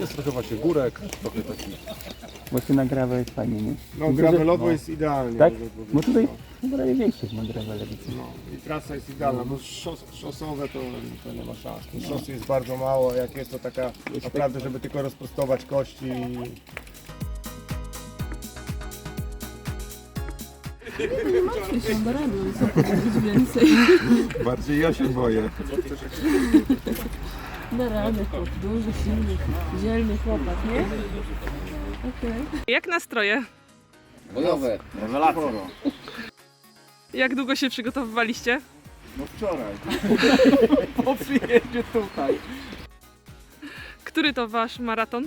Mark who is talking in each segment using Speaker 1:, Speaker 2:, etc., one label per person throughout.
Speaker 1: Jest trochę właśnie górek, trochę taki...
Speaker 2: Właśnie na gravel jest fajnie, nie?
Speaker 3: No gravelowo jest idealnie.
Speaker 2: Tak?
Speaker 3: można powiedzieć.
Speaker 2: Bo tutaj chyba większość ma gravele.
Speaker 3: No, i trasa jest idealna, bo szosowe to nie ma szans. Szosy jest bardzo mało, jak jest to taka naprawdę, żeby tylko rozprostować kości.
Speaker 4: Nie martwię się, da radę, co powiedzieć więcej.
Speaker 1: Bardziej ja się boję.
Speaker 4: Da radę, chłop, duży, silny, dzielny chłopak, nie? Okej.
Speaker 5: Jak nastroje?
Speaker 3: Bojowe. Rewelacja.
Speaker 5: Jak długo się przygotowywaliście?
Speaker 3: No wczoraj.
Speaker 2: Po przyjeździe tutaj.
Speaker 5: Który to wasz maraton?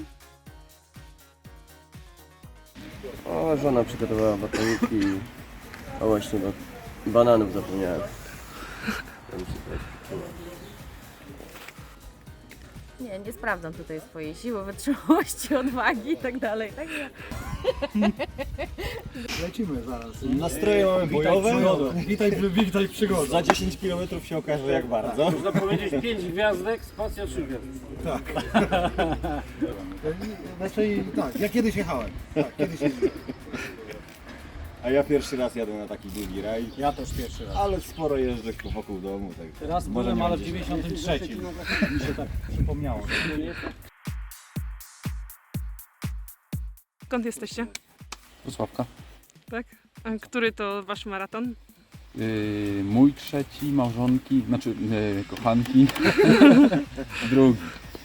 Speaker 6: O, żona przygotowała batoniki. A właśnie, bo bananów zapomniałem. To mi się tutaj przyczyniło.
Speaker 7: Nie sprawdzam tutaj swojej siły, wytrzymałości, odwagi i tak dalej. Także
Speaker 8: Lecimy zaraz.
Speaker 9: Nastroje mamy bojowe.
Speaker 8: Witaj przygoda.
Speaker 9: Za 10 km się okaże jak bardzo.
Speaker 10: Można powiedzieć 5 gwiazdek, spacja 3 gwiazdek.
Speaker 8: Znaczy tak, ja kiedyś jechałem. Tak, kiedyś jeździłem.
Speaker 9: A ja pierwszy raz jadę na taki długi raj.
Speaker 8: Ja też pierwszy raz.
Speaker 9: Ale sporo jeżdżę wokół domu. Tak.
Speaker 8: Raz
Speaker 9: Może
Speaker 8: byłem,
Speaker 9: nie
Speaker 8: ale w
Speaker 9: będzie.
Speaker 8: 93. Mi się tak przypomniało.
Speaker 5: Skąd jesteście?
Speaker 1: Wrocławka.
Speaker 5: Tak? A który to wasz maraton?
Speaker 1: Mój trzeci, małżonki, znaczy kochanki. Drugi.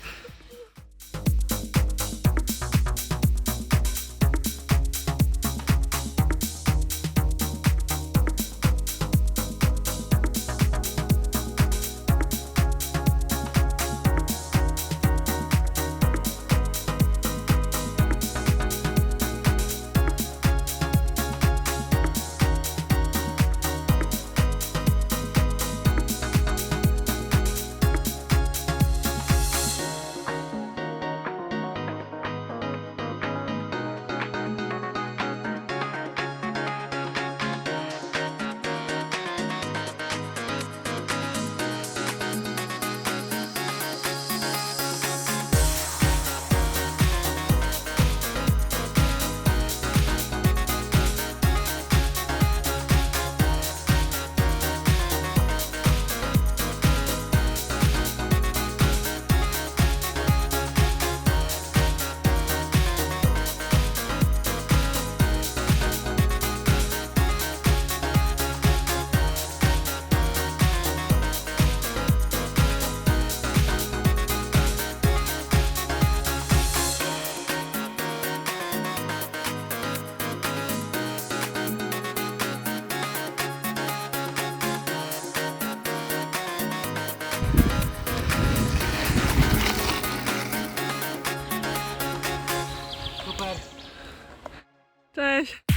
Speaker 5: Cześć!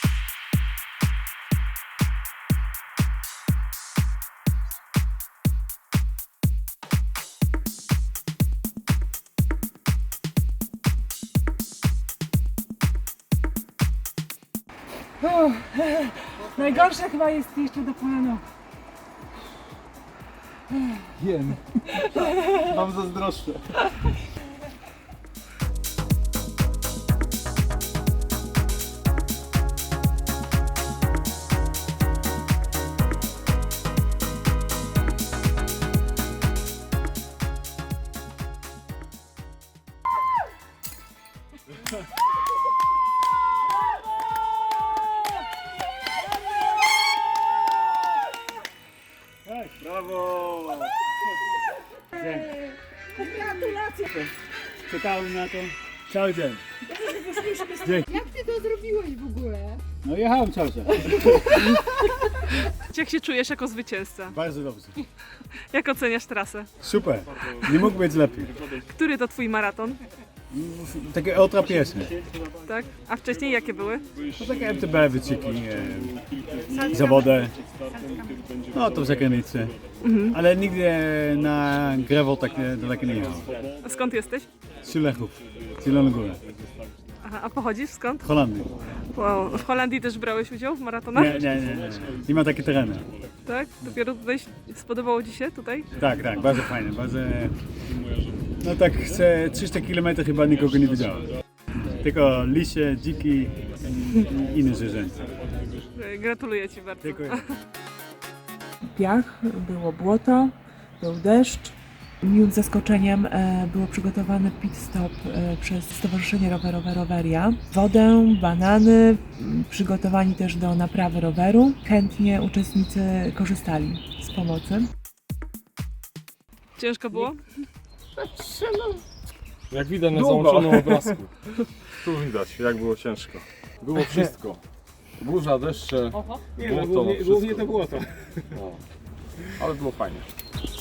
Speaker 4: Najgorsze chyba jest jeszcze do planu.
Speaker 8: Wiem. Mam zazdroszczę.
Speaker 10: Brawo!
Speaker 4: Gratulacje!
Speaker 10: Czekałem na to cały dzień.
Speaker 4: Jak ty to zrobiłeś w ogóle?
Speaker 10: No jechałem cały czas.
Speaker 5: Jak się czujesz jako zwycięzca?
Speaker 10: Bardzo dobrze.
Speaker 5: Jak oceniasz trasę?
Speaker 10: Super. Nie mógł być lepiej.
Speaker 5: Który to twój maraton?
Speaker 10: Takie ultra pierwsze.
Speaker 5: Tak? A wcześniej jakie były?
Speaker 10: No takie MTB wyciki, zawody. No to w zagranicy. Ale nigdy na gravel tak daleko nie jechałem.
Speaker 5: A skąd jesteś?
Speaker 10: Z Lechów, z Zielonej Góry,
Speaker 5: Aha, a pochodzisz skąd?
Speaker 10: Holandii.
Speaker 5: Wow. W Holandii też brałeś udział w maratonach?
Speaker 10: Nie ma takie tereny.
Speaker 5: Tak? Dopiero tutaj spodobało ci się tutaj?
Speaker 10: Tak, bardzo fajne, bardzo No tak, 300 km chyba nikogo nie widziałem. Tylko lisie, dziki i inne zwierzęta.
Speaker 5: Gratuluję Ci bardzo.
Speaker 10: Dziękuję.
Speaker 11: Piach, było błoto, był deszcz. Miłym zaskoczeniem było przygotowany pit stop przez Stowarzyszenie Rowerowe Roweria. Wodę, banany, przygotowani też do naprawy roweru. Chętnie uczestnicy korzystali z pomocy.
Speaker 5: Ciężko było?
Speaker 3: Jak widać na załączonym obrazku. Tu widać, jak było ciężko. Było wszystko. Burza, deszcze, błoto, głównie to błoto. Ale było fajnie.